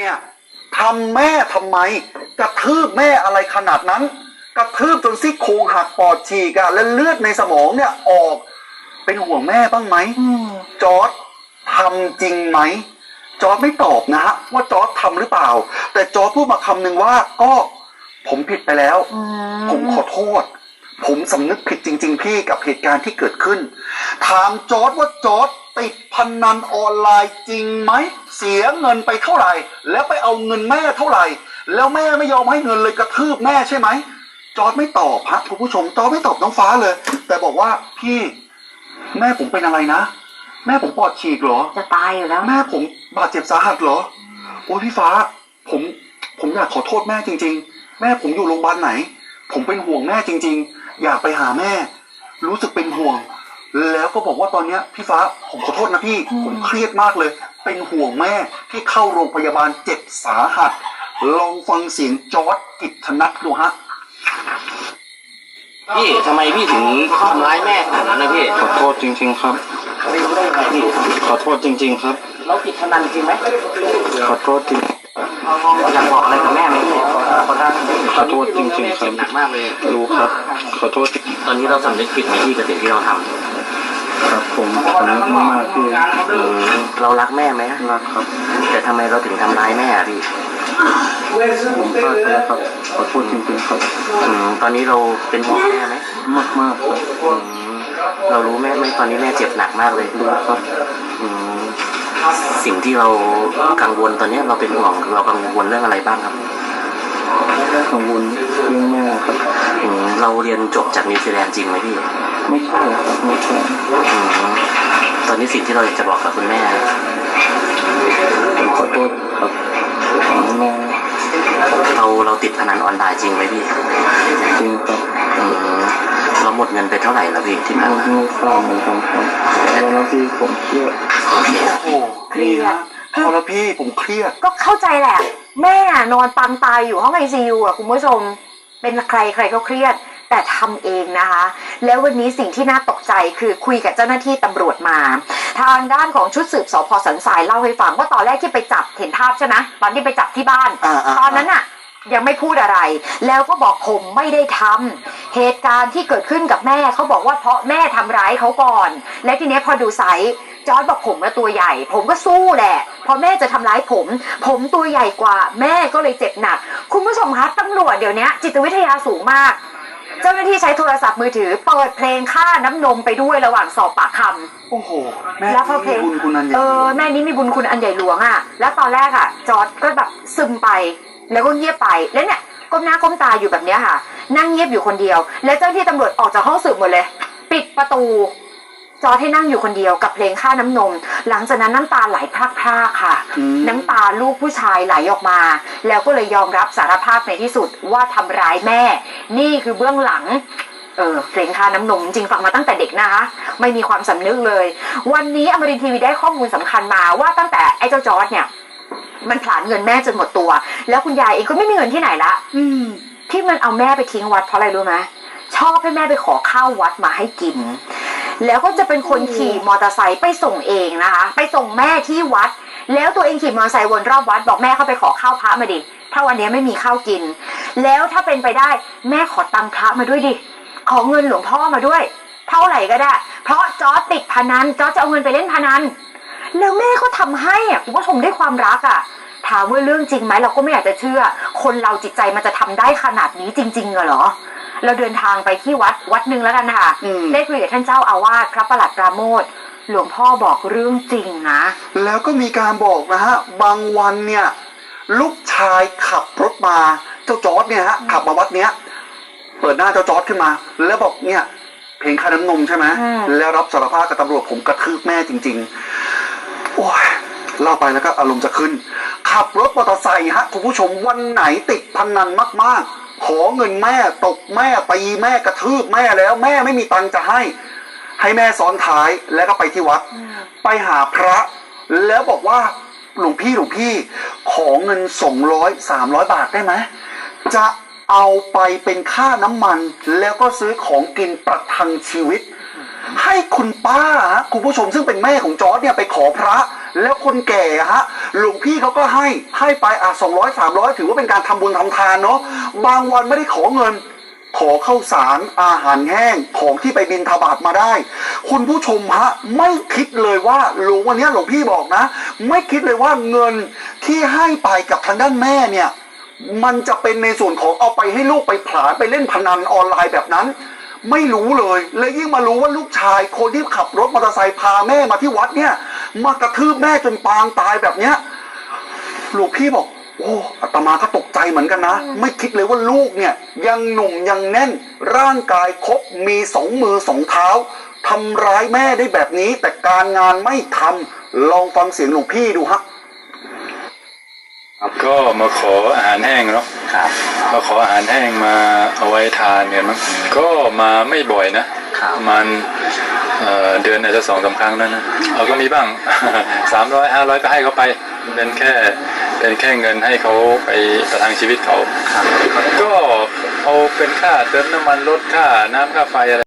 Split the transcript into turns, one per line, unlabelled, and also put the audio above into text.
เนี่ยทำแม่ทำไมกระทืบแม่อะไรขนาดนั้นกระทืบจนซี่โครงหักปอดฉีกและเลือดในสมองเนี่ยออกเป็นห่วงแม่บ้างไหมจอร์จทำจริงไหมจอร์จไม่ตอบนะฮะว่าจอร์จทำหรือเปล่าแต่จอร์จพูดมาคำหนึ่งว่าก็ผมผิดไปแล้วผมขอโทษผมสำนึกผิดจริงๆพี่กับเหตุการณ์ที่เกิดขึ้นถามจอร์จว่าจอร์จติดพนันออนไลน์จริงไหมเสียเงินไปเท่าไหร่แล้วไปเอาเงินแม่เท่าไหร่แล้วแม่ไม่ยอมให้เงินเลยกระทืบแม่ใช่ไหมจอร์จไม่ตอบฮะคุณผู้ชมจอร์จไม่ตอบน้องฟ้าเลยแต่บอกว่าพี่แม่ผมเป็นอะไรนะแม่ผมปอดฉีกเหรอ
จะตายอยู่แล้ว
แม่ผมบาดเจ็บสาหัสเหรอโอ้ยพี่ฟ้าผมอยากขอโทษแม่จริงๆแม่ผมอยู่โรงพยาบาลไหนผมเป็นห่วงแม่จริงๆอยากไปหาแม่รู้สึกเป็นห่วงแล้วก็บอกว่าตอนนี้พี่ฟ้าผมขอโทษนะพี่ผมเครียดมากเลยเป็นห่วงแม่ที่เข้าโรงพยาบาลเจ็บสาหัสลองฟังเสียงจอร์จกิตนัทดูฮะ
พี่ทำไมพี่ถึงทำร้ายแม่ขนาดนั้นนะพี่
ขอโทษจริงๆครับ
ไม่รู้ได้ไงพี่
ขอโทษจริงๆครับ
เราติดพนันจริงไหม
ขอโทษจริง
อยากบอกอะไรกับแม่ไหม
ขอโทษจริงๆครับ
หนักมากเลย
รู้ครับขอโทษ
ตอนนี้เราสำนึกผิดไหมพี่กับสิ่งที่เราทำ
ครับผมสำนึกมากพี่
เรารักแม่ไหม
รักครับ
แต่ทำไมเราถึงทำร้ายแม่พี่
ผมพลาดแล้วครับขอโทษจริงๆครับ
ตอนนี้เราเป็นห่วงแม่ไหม
มากๆครับ
เรารู้แม่ไหมตอนนี้แม่เจ็บหนักมากเลย
รู้ครับ
สิ่งที่เรากังวลตอนนี้เราเป็นห่วงเรากังวลเรื่องอะไรบ้างครับ
กังวลเรื่องแม่ครับ
เราเรียนจบจากนิวซีแลนด์จริงไหมพี่
ไม่ใช่ครับไม่ใช่
ตอนนี้สิ่งที่เราอยากจะบอกกับคุณแม่
ผมขอโทษครับแม่
เราติดพนันออนไลน์จริงไหมพี่
จริงครับ
เราหมดเงินไปเท่าไหร่แล้วพี่ที่ผ่านมา
ไม่ทราบเหมือนกันครับแล้วพี่ผมเครียด
โอ้เครียดพอแล้วพี่ผมเครียด
ก็เข้าใจแหละแม่นอนปังตายอยู่ห้องICUอ่ะคุณผู้ชมเป็นใครก็เครียดแต่ทำเองนะคะแล้ววันนี้สิ่งที่น่าตกใจคือคุยกับเจ้าหน้าที่ตำรวจมาทางด้านของชุดสืบสพ.สันทรายเล่าให้ฟังว่าตอนแรกที่ไปจับเห็นภาพใช่ไหมตอนที่ไปจับที่บ้านตอนนั้นน่ะยังไม่พูดอะไรแล้วก็บอกผมไม่ได้ทำเหตุการณ์ที่เกิดขึ้นกับแม่เขาบอกว่าเพราะแม่ทำร้ายเขาก่อนและทีนี้พอดูไซส์จอร์จบอกผมตัวใหญ่ผมก็สู้แหละพอแม่จะทำร้ายผมตัวใหญ่กว่าแม่ก็เลยเจ็บหนักคุณผู้ชมคะตำรวจเดี๋ยวนี้จิตวิทยาสูงมากเจ้าหน้าที่ใช้โทรศัพท์มือถือเปิดเพลงค่าน้ำนมไปด้วยระหว่างสอบปากค
ำโอ้โหแม่
แล้วพอเพลงแม่นี้มีบุญคุณอันใหญ่หลวงอ่ะแล้วตอนแรกอ่ะจอร์จก็แบบซึมไปแล้วก็เงียบไปแล้วเนี่ยก้มหน้าก้มตาอยู่แบบนี้ค่ะนั่งเงียบอยู่คนเดียวแล้วเจ้าหน้าที่ตำรวจออกจากห้องสืบหมดเลยปิดประตูจอร์จให้นั่งอยู่คนเดียวกับเพลงค่าน้ำนมหลังจากนั้นน้ำตาไหลพรากๆค่ะน้ำตาลูกผู้ชายไหลออกมาแล้วก็เลยยอมรับสารภาพในที่สุดว่าทำร้ายแม่นี่คือเบื้องหลังเพลงค่าน้ำนมจริงฟังมาตั้งแต่เด็กนะคะไม่มีความสำนึกเลยวันนี้อมรินทร์ทีวีได้ข้อมูลสำคัญมาว่าตั้งแต่ไอ้เจ้าจอร์จเนี่ยมันผลาญเงินแม่จนหมดตัวแล้วคุณยายเองก็ไม่มีเงินที่ไหนละที่มันเอาแม่ไปทิ้งวัดเพราะอะไรรู้ไหมชอบให้แม่ไปขอข้าววัดมาให้กินแล้วก็จะเป็นคนขี่มอเตอร์ไซค์ไปส่งเองนะคะไปส่งแม่ที่วัดแล้วตัวเองขี่มอเตอร์ไซค์วนรอบวัดบอกแม่เข้าไปขอข้าวพระมาดิถ้าวันนี้ไม่มีข้าวกินแล้วถ้าเป็นไปได้แม่ขอตังค์พระมาด้วยดิขอเงินหลวงพ่อมาด้วยเท่าไหร่ก็ได้เพราะจอร์จติดพนันจอร์จจะเอาเงินไปเล่นพนันแล้วแม่ก็ทำให้คุณผู้ชมด้วยความรักถามว่าเรื่องจริงไหมเราก็ไม่อยากจะเชื่อคนเราจิตใจมันจะทำได้ขนาดนี้จริงๆเหรอเราเดินทางไปที่วัดหนึ่งแล้วกันค่ะได้คุยกับท่านเจ้าอาวาสพระประหลัดปราโมทย์หลวงพ่อบอกเรื่องจริงนะ
แล้วก็มีการบอกนะฮะบางวันเนี่ยลูกชายขับรถมาเจ้าจอร์จเนี่ยฮะขับมาวัดเนี้ยเปิดหน้าเจ้าจอร์จขึ้นมาแล้วบอกเนี่ยเพลงค่าน้ำนมใช่ไหมแล้วรับสารภาพกับตำรวจผมกระทืบแม่จริงๆโอ้ยเล่าไปแล้วก็อารมณ์จะขึ้นขับรถมอเตอร์ไซค์ฮะคุณผู้ชมวันไหนติดพนันมากๆขอเงินแม่ตบแม่ตีแม่กระทืบแม่แล้วแม่ไม่มีตังค์จะให้แม่ซ้อนท้ายแล้วก็ไปที่วัดไปหาพระแล้วบอกว่าหลวงพี่ขอเงิน200-300 บาทได้ไหมจะเอาไปเป็นค่าน้ำมันแล้วก็ซื้อของกินประทังชีวิตให้คุณป้าคุณผู้ชมซึ่งเป็นแม่ของจอร์จเนี่ยไปขอพระแล้วคนแก่ฮะหลวงพี่เขาก็ให้ไป200 300ถือว่าเป็นการทำบุญทำทานเนาะบางวันไม่ได้ขอเงิน ขอข้าวสารอาหารแห้งของที่ไปบิณฑบาตมาได้ คุณผู้ชมฮะไม่คิดเลยว่าวันนี้หลวงพี่บอกนะ ไม่คิดเลยว่าเงินที่ให้ไปกับทางด้านแม่เนี่ยมันจะเป็นในส่วนของเอาไปให้ลูกไปผลาญไปเล่นพนันออนไลน์แบบนั้น ไม่รู้เลยและยิ่งมารู้ว่าลูกชายคนที่ขับรถมอเตอร์ไซค์พาแม่มาที่วัดเนี่ยมากระทืบแม่จนปางตายแบบเนี้ยหลวงพี่บอกโอ้อาตมาก็ตกใจเหมือนกันนะไม่คิดเลยว่าลูกเนี่ยยังหนุ่มยังแน่นร่างกายครบมี2 มือ 2 เท้าทำร้ายแม่ได้แบบนี้แต่การงานไม่ทำลองฟังเสียงหลวงพี่ดูฮะ
ก็มาขออาหารแห้งเนาะมาขออาหารแห้งมาเอาไว้ทานกันมั้งก็มาไม่บ่อยนะประมาณเดือนอาจจะ2-3 ครั้งนั่นนะเราก็มีบ้าง 300 500ก็ให้เขาไปเป็นแค่เงินให้เขาไปประทังชีวิตเขาก็เอาเป็นค่าเติมน้ำมันรถค่าน้ำค่าไฟอะไร